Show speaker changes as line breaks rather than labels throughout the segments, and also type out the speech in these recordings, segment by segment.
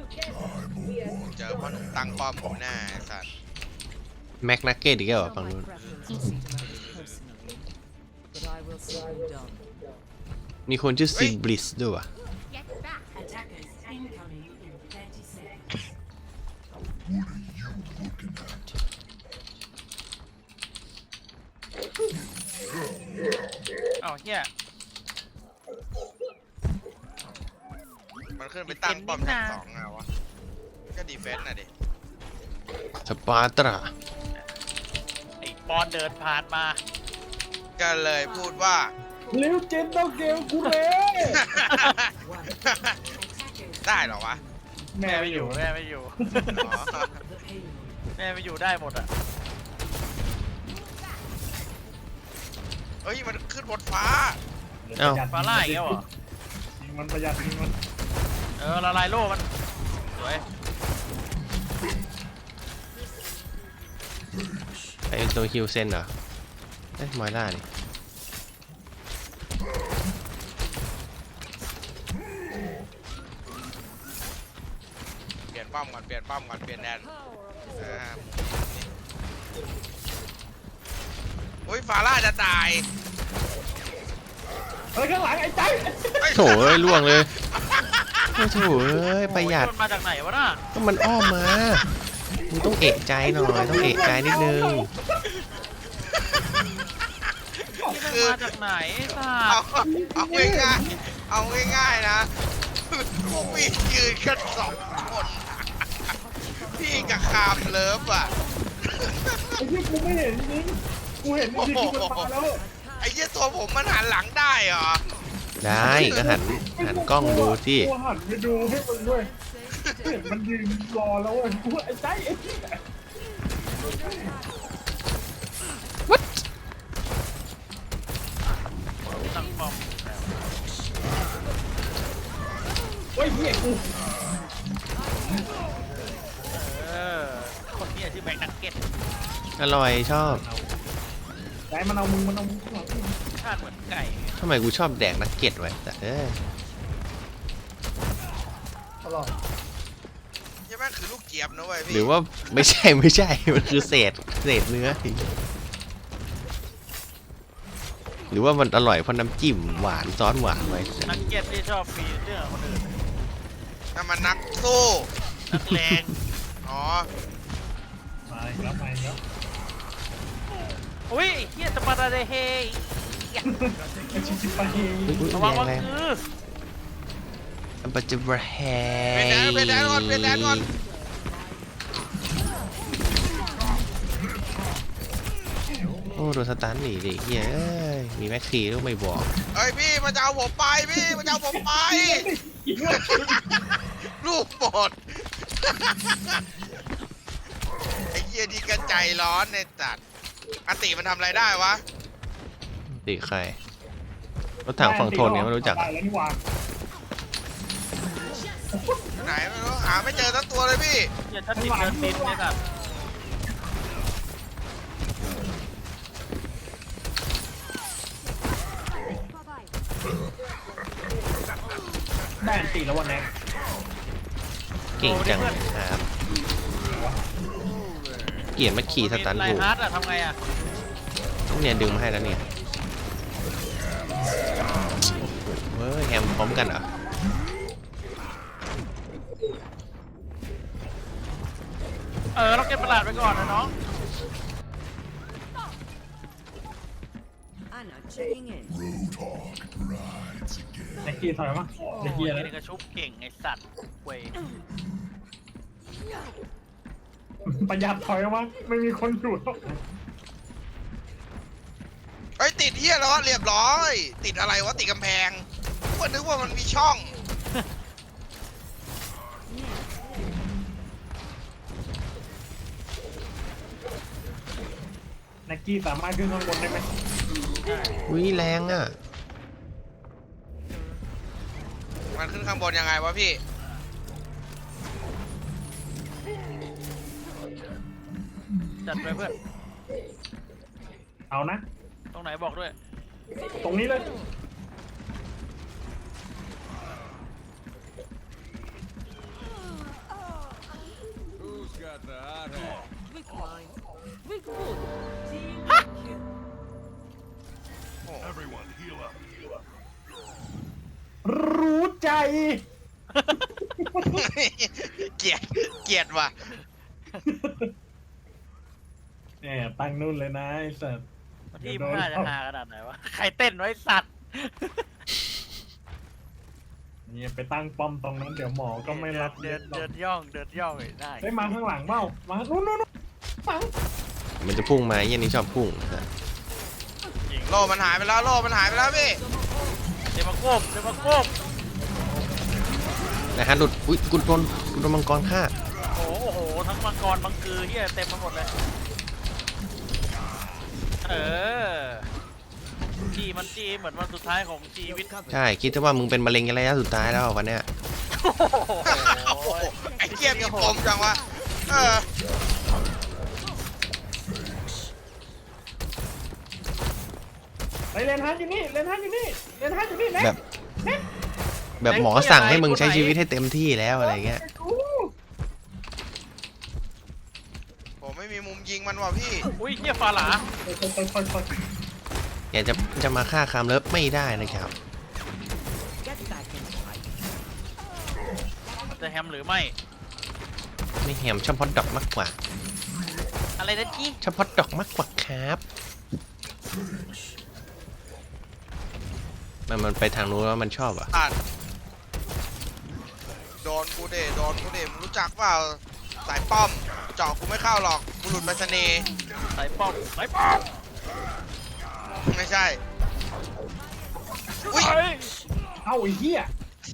เจอพ่อหนุ่มตั้งป้อมอยู่หน้าไอ้สัตว์
แม็กนักเก็ตอีกแล้วเหรอฝั่งนู้น
But I will see you done.
มีคนชื่อซินบลิสด้วยวะ
Attackers incoming in 30 seconds.
เอ้าเฮีย
มันขึ้นไปตั้งป้อมชั้นสองไงวะก็ดีเฟนส์น่ะดิ
สปาร์ตรา
ไอ้ปอนเดินผ่านมา
ก็เลยพูดว่า
ลิวจินต้องเกลกูเลย
ได้เหรอวะ
แม่
แม่
ไม่
ไม่
อ
อยู่
ยู่
แม่ไม่อยู่
อ๋อ
The payload.
แม่ไม่อยู่ได้หมดอ่ะ
เฮ้ยมันขึ้นบนฟ้า
ฟาร่าอีกแล้วเหรอ
ยิงมันประหยัดยิงมัน
ละลายโล่มันสวย
ไอ้ตัวฮิวเซนเหรอเอ๊ะมอยล่านี่
เปลี่ยนป้อมก่อนเปลี่ยนป้อมก่อนเปลี่ยนแดนอุ้ยฟาร่าจะตาย
เฮ้ยข้างหลังไอ้ใจ
โถเอ้ยล่วงเลยโอ้โถเอ้ยประหยัด
โอ้มันมาจากไหนวะน่ะ
ก็มันอ้อมมามึงต้องเอะใจหน่อยต้องเอะใจนิดนึง
นี่มันมาจากไหนสั
เอา
ตว์
เอาง่ายๆเอาง่ายๆนะพวกพี่ยืนกันสองคนพี่กับคามเลิฟอ่ะ
ไอ้ที่กูไม่เห็นจริงกูเห็นจริงๆกูมันมาแล้ว
ไอ้เหี้ยตัวผมมันหันหลังได้เหรอ
ได้ก็หันกล้องดูที่
กูหันไปดูให้มันด้วยเห็นมันยืนรอแล้วเว้ยกูไอ้ใจไอ้ที่
ตั้งป้อม
เฮ้ยเหี้ยกู
คนนี้ชื่อแบงค์นักเก็ต
อร่อยชอบ
ใจมันเอามึงข้างหลัง
ชาติเหมือนไก่
ทำไมกูชอบแดกนักเก็ตไว้แต่
อร่อย
ใช่ไหมคือลูกเจี๊ยบนะเว้ยพี่
หรือว่าไม่ใช่ มันคือเศษเนื้อหรือว่ามันอร่อยเพราะน้ำจิ้มหวานซอสหวานไว้
นักเก็ตที่ชอบฟีเรื่องคนอื่น
นั่นมันนักสู้
นักเลง
อ๋อ
มาอีกแล้วมาอีกแล้ว
อุ้ยเฮียจะมาได้เฮย
ไอ้ชิชิปะเฮ
อุ๊ย
ระวังว่า
แรง
คือ
อันปัจจุบันแฮ
เป็นแดนก่อนเป็นแดนก่อน
โอ้โดนสตันหนีดิเฮ้ยมีแม็กซี่ก็ไม่บอก
เอ้ยพี่มันจะเอาผมไปพี่มันจะเอาผมไป ลูกหมด ไอ้เหี้ยดีกันใจร้อนในจัดอติมันทำอะไรได้วะ
ติใครรถถังฝั่งทนเนี่ยไม่รู้จัก
ได้แล้วนี่หว่า
ไหนไม่รู้หาไม่เจอทั้งตัวเลยพี่
เฮียชัดติดเดินดินเนี่ยครับ
ได้อันตีแล้ววันนี้
เก่งจังเลยครับเกลียดมาขี่สตัน
ไล
บู
ฮาร์ดอะทำไงอะ
เนี่ยดึงมาให้แล้วเนี่ยเฮ้ยแฮมพร้อมกันเหรอ
เราเก็บประหลาดไปก่อนนะน้อง
Anna checking in.
ไอ้กี้ถอยมาไอ้กี้อะไร
นี่ก็ชุบเก่งไอสัตว์เว้ย
ประหยัดถอยมาไม่มีคนอยู่แล้ว
เฮ้ยติดเหี้ยแล้วเรียบร้อย ติดอะไรวะติดกำแพงก็นึกว่ามันมีช่อง
นักกี้สามารถขึ้นข้างบนได้ไหม
อุ้ยแรงอ่ะ
มันขึ้นข้างบนยังไงวะพี่
จัดไปเพื่อน
เอานะ
ตรงไหนบอกด้วย
ตรงนี้เลยรู้ใจ
เกลียดว่ะ
แหมตั้งนู่นเลยนะไอ้สัส
ที่มึงน่าจะหาขนาดไหนวะ ใครเต้นไว้สัตว์
เนี่ยไปตั้งป้อมตรงนั้นเดี๋ยวหมอก็ไม่รับ
เดินย่องเลยได้
ได้มาข้างหลังเปล่ามานู่นฟัง
มันจะพุ่งมาไอ้เหี้ยันนี้ชอบพุ่ง
จริง
โลมันหายไปแล้วโลมันหายไปแล้วพี่
เดี๋ยวมาโกบ
นะฮะหลุดอุ้ยกูโดนมังกรฆ่า
โอ้โหทั้งมังกรมังกือเฮียเต็มไปหมดเลยจี้เหมือนวันสุดท้ายของชีวิต
ใช่คิดว่ามึงเป็นมะเร็งระยะสุดท้ายแล้ววันเนี้ย
โอ้โห
โอ้โหไอ้เกียมีปมจังวะเออ
ไปเลนฮันอยู่นี่เลนฮันอยู่นี่เลนฮันอยู่นี่แม็ก
แบบหมอสั่งให้มึงใช้ชีวิตให้เต็มที่แล้วอะไรเงี้ย
ผมไม่มีมุมยิงมันว่ะพี่
อุ้ยเฮียฟาหลา
ค่อย
อยากจะมาฆ่าคามเลิฟไม่ได้นะครับ
Get back in fight.
จะแฮมหรือไม่
ไม่แหมชอบฮอตดอกมากกว่า
อะไรนะจี้
ชอบฮอตดอกมากกว่าครับมันไปทางนู้นแล้วมันชอบอ่ะ
อ่ะโดนกูเดมึงรู้จักเปล่าสายป้อมเจาะกูไม่เข้าหรอกบุรุษไปรษณีย์
ใส่ป้อม
ไม่ใช่อุ้ย
ๆเอาไอ้เหี้ย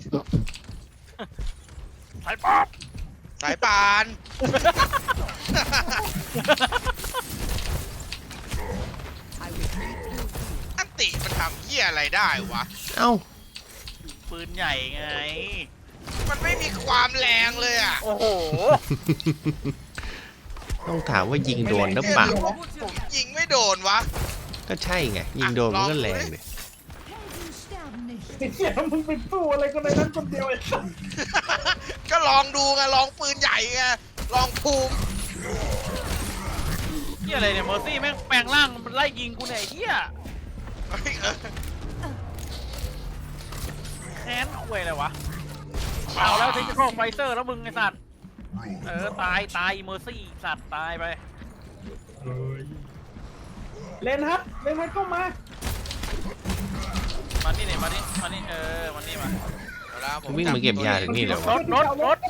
ใส่ป้อม
สายปาน
I will lead you.
อันติมันทำเหี้ยอะไรได้วะ
เอ้า
ปืนใหญ่ไง
มันไม่มีความแรงเลยอ่ะ
โอ้โห
ต้องถามว่ายิงโดนหรือเปล่า
ผมยิงไม่โดนวะ
ก็ใช่ไงยิงโดนมันก็แรงเลย
ไอ้เหี้ยมึงไปสู้อะไรกันในนั้นคนเดียวไอ้สัส
ก็ลองดูไงลองปืนใหญ่ไงลองภูมิ
เฮียอะไรเนี่ยเมอร์ซี่แม่งแปลงร่างมันไล่ยิงกูเนี่ยไอ้เฮีย
เฮ้ย
แค้นคุยอะไรวะ เอาแล้วเทคนิคอลไฟเซอร์แล้วมึงไอ้สัตว์ ตายเมอร์ซี่สัตว์ตายไป
เลนฮัทก็มา
มานี่เนี่ยมานี่มานี่มานี่มา
เอาละผม
วิ่งมาเก็บยาถึงนี่เลยวะ
รถ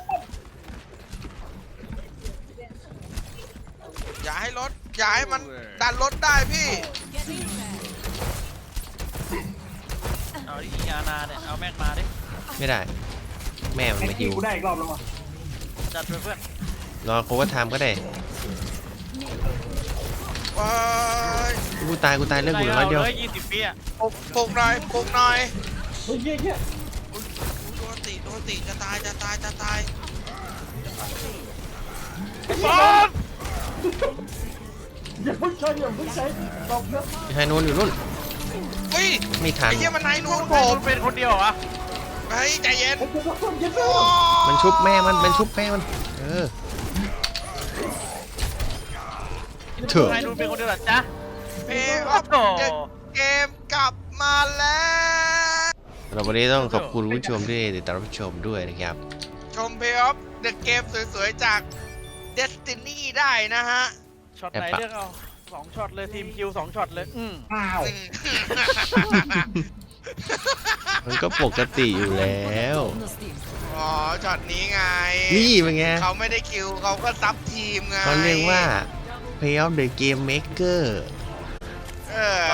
อย่าให้รถอย่าให้มันดันรถได้พี่
เอาดิยานาเนี่ยเอาแม็กมาดิ
ไม่ได้ แม่มัน
ไอ้
มา
ที่
ฮิว
กูได้อีกรอบแล้ววะ
จัดไปเพื่อน
รอโคว่าไทม์ก็ได้
ว้าย
กูตายเรื่องกูเหลือน้อยเดียว
เลย20 ปีอะ
ปลุกหน่อยปลุกหน่อย
เฮ้ยเหี้ย
อุ๊ยโดนติจะตาย
บอล
อย่าเพิ่งใช้ตบนะ
ไอ้นู่นอยู่นู่น
เฮ้ย
ไม่ทัน
ไอ้เหี้ยมันนายนูนผ
ผม มเป็นคนเดียวเหรอวะ
เฮ้ยใจเย็น
ไอ้เจ้าคนเย็น
โอ้
มันชุบแม่มันชุบแม่มันเถอะ
นายดูเป็นคนเดียวเหรอจ๊ะ
เพลงออฟเดอะเกมกลับมาแล้ว
เราวันนี้ต้องขอบคุณผู้ชมที่ติดตามรับชมด้วยนะครับ
ชมเพลงออฟเดอะเกมสวยๆจาก Destiny ได้นะฮะ
ช็อตไหนเลือกเอา2ช็อตเลยทีมคิว2ช็อตเลย
อ้าว
อืม
มันก็ปกติอยู่แล้ว
No steam.
อ๋อช็อตนี้ไง
นี่เป็นไง
เขาไม่ได้คิวเขาก็ซับทีมไง
เขาเรียกว่า Play of the Game Maker
เออ